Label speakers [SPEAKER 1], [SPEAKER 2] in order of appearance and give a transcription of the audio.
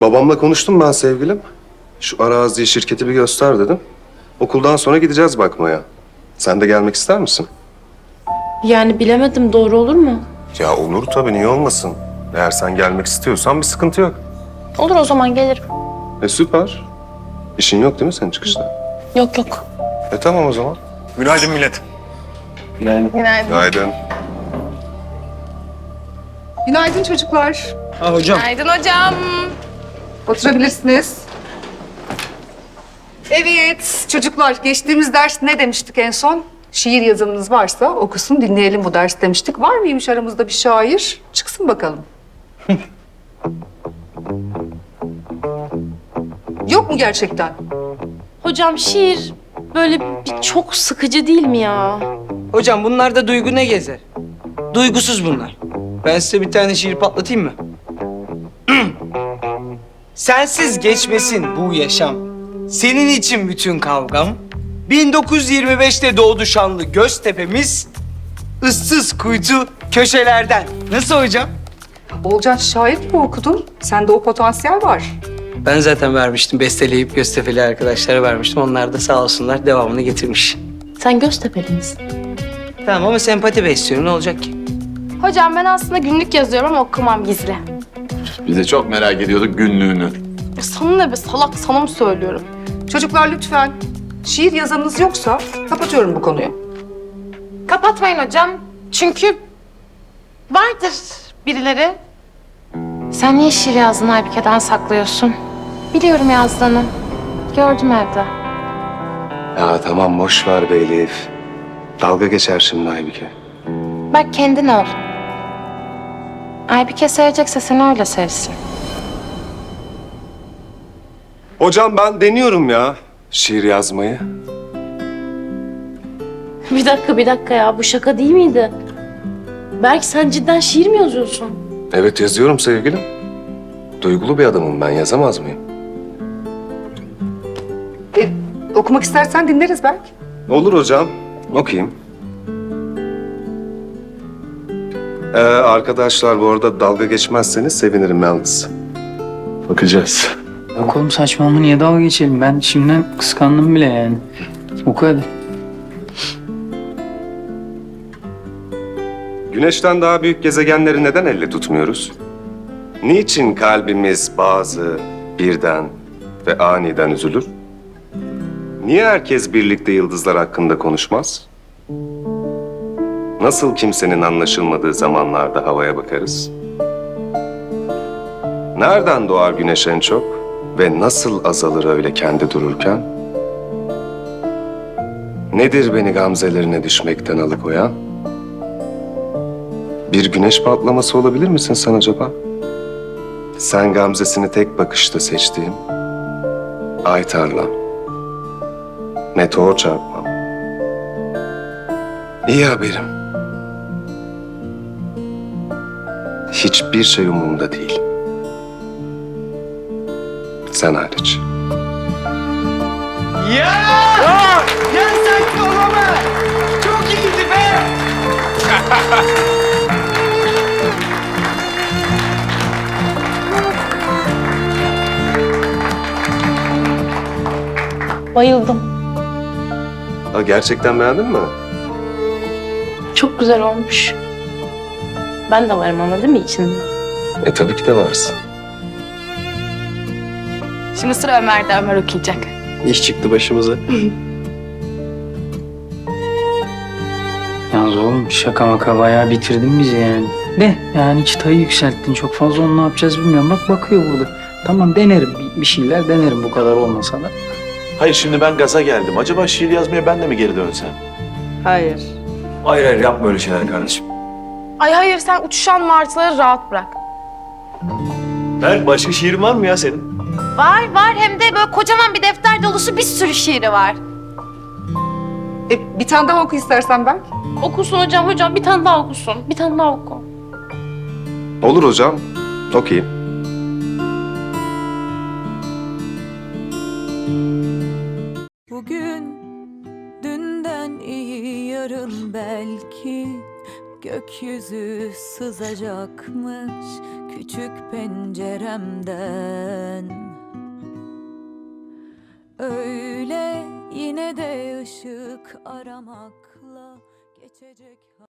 [SPEAKER 1] Babamla konuştum ben sevgilim. Şu araziyi, şirketi bir göster dedim. Okuldan sonra gideceğiz bakmaya. Sen de gelmek ister misin?
[SPEAKER 2] Yani bilemedim, doğru olur mu?
[SPEAKER 1] Ya olur tabii, niye olmasın? Eğer sen gelmek istiyorsan bir sıkıntı yok.
[SPEAKER 2] Olur, o zaman gelirim.
[SPEAKER 1] Süper. İşin yok değil mi senin çıkışta?
[SPEAKER 2] Yok yok.
[SPEAKER 1] Tamam o zaman.
[SPEAKER 3] Günaydın millet.
[SPEAKER 1] Günaydın.
[SPEAKER 4] Günaydın çocuklar.
[SPEAKER 3] Hocam.
[SPEAKER 2] Günaydın hocam.
[SPEAKER 4] Oturabilirsiniz. Evet çocuklar, geçtiğimiz ders ne demiştik en son? Şiir yazımınız varsa okusun, dinleyelim bu ders demiştik. Var mıymış aramızda bir şair? Çıksın bakalım. Yok mu gerçekten?
[SPEAKER 2] Hocam şiir böyle bir çok sıkıcı değil mi ya?
[SPEAKER 5] Hocam bunlarda duygu ne gezer? Duygusuz bunlar. Ben size bir tane şiir patlatayım mı? Sensiz geçmesin bu yaşam. Senin için bütün kavgam. 1925'te doğdu şanlı Göztepe'miz. Issız kuytu köşelerden. Nasıl hocam?
[SPEAKER 4] Olcan, şair gibi okudun. Sende o potansiyel var.
[SPEAKER 5] Ben zaten vermiştim. Besteleyip Göztepe'li arkadaşlara vermiştim. Onlar da sağ olsunlar devamını getirmiş.
[SPEAKER 2] Sen Göztepe'li misin?
[SPEAKER 5] Tamam ama sempati besliyorum. Ne olacak ki?
[SPEAKER 6] Hocam ben aslında günlük yazıyorum ama okumam gizli.
[SPEAKER 3] Biz de çok merak ediyorduk günlüğünü.
[SPEAKER 6] Sana ne be salak, sana mı söylüyorum?
[SPEAKER 4] Çocuklar lütfen, şiir yazanınız yoksa kapatıyorum bu konuyu.
[SPEAKER 6] Kapatmayın hocam. Çünkü vardır birileri. Sen niye şiir yazdın Aybike'den saklıyorsun? Biliyorum yazdığını. Gördüm evde.
[SPEAKER 1] Ya tamam, boş ver be Elif. Dalga geçer şimdi Aybike.
[SPEAKER 6] Bak kendin ol. Aybike sevecekse seni öyle sevsin.
[SPEAKER 1] Hocam ben deniyorum ya şiir yazmayı.
[SPEAKER 2] Bir dakika ya, bu şaka değil miydi? Belki sen cidden şiir mi yazıyorsun?
[SPEAKER 1] Evet yazıyorum sevgilim. Duygulu bir adamım ben, yazamaz mıyım?
[SPEAKER 4] Okumak istersen dinleriz belki.
[SPEAKER 1] Olur hocam, okuyayım. Arkadaşlar bu arada dalga geçmezseniz sevinirim yalnız.
[SPEAKER 3] Bakacağız.
[SPEAKER 5] Yok oğlum saçmalama niye dalga geçelim? Ben şimdiden kıskandım bile yani. Oku hadi.
[SPEAKER 1] Güneşten daha büyük gezegenleri neden elle tutmuyoruz? Niçin kalbimiz bazı birden ve aniden üzülür? Niye herkes birlikte yıldızlar hakkında konuşmaz? Nasıl kimsenin anlaşılmadığı zamanlarda havaya bakarız? Nereden doğar güneş en çok ve nasıl azalır öyle kendi dururken? Nedir beni gamzelerine düşmekten alıkoyan? Bir güneş patlaması olabilir misin sen acaba? Sen gamzesini tek bakışta seçtiğim ay tarlam, meteor çarpmam. İyi haberim. Hiçbir şey umurumda değil. Sen hariç.
[SPEAKER 5] Ya! Ya sanki olamaz. Çok iyiydi be.
[SPEAKER 2] Bayıldım.
[SPEAKER 1] Ha, gerçekten beğendin mi?
[SPEAKER 2] Çok güzel olmuş. Ben de varım ama değil mi içinde?
[SPEAKER 1] Tabii ki de varsın.
[SPEAKER 6] Şimdi sıra Ömer'de. Ömer okuyacak.
[SPEAKER 5] İş çıktı başımıza. Yalnız oğlum şaka maka bayağı bitirdin bizi yani. De yani çıtayı yükselttin çok fazla, onu ne yapacağız bilmiyorum. Bak bakıyor burada. Tamam denerim bir şeyler denerim, bu kadar olmasa da.
[SPEAKER 3] Hayır şimdi ben gaza geldim. Acaba şiir yazmaya ben de mi geri dönsem?
[SPEAKER 5] Hayır.
[SPEAKER 3] Hayır hayır yapma öyle şeyler kardeşim.
[SPEAKER 6] Ay hayır sen uçuşan martıları rahat bırak.
[SPEAKER 3] Ben başka şiirin var mı ya senin?
[SPEAKER 6] Var hem de böyle kocaman bir defter dolusu bir sürü şiiri var.
[SPEAKER 4] Bir tane daha oku istersen belki.
[SPEAKER 2] Okusun hocam, bir tane daha okusun. Bir tane daha oku.
[SPEAKER 1] Olur hocam. Okuyayım.
[SPEAKER 7] Bugün dünden iyi yarın belki gökyüzü sızacakmış, küçük penceremden. Öyle yine de ışık aramakla geçecek.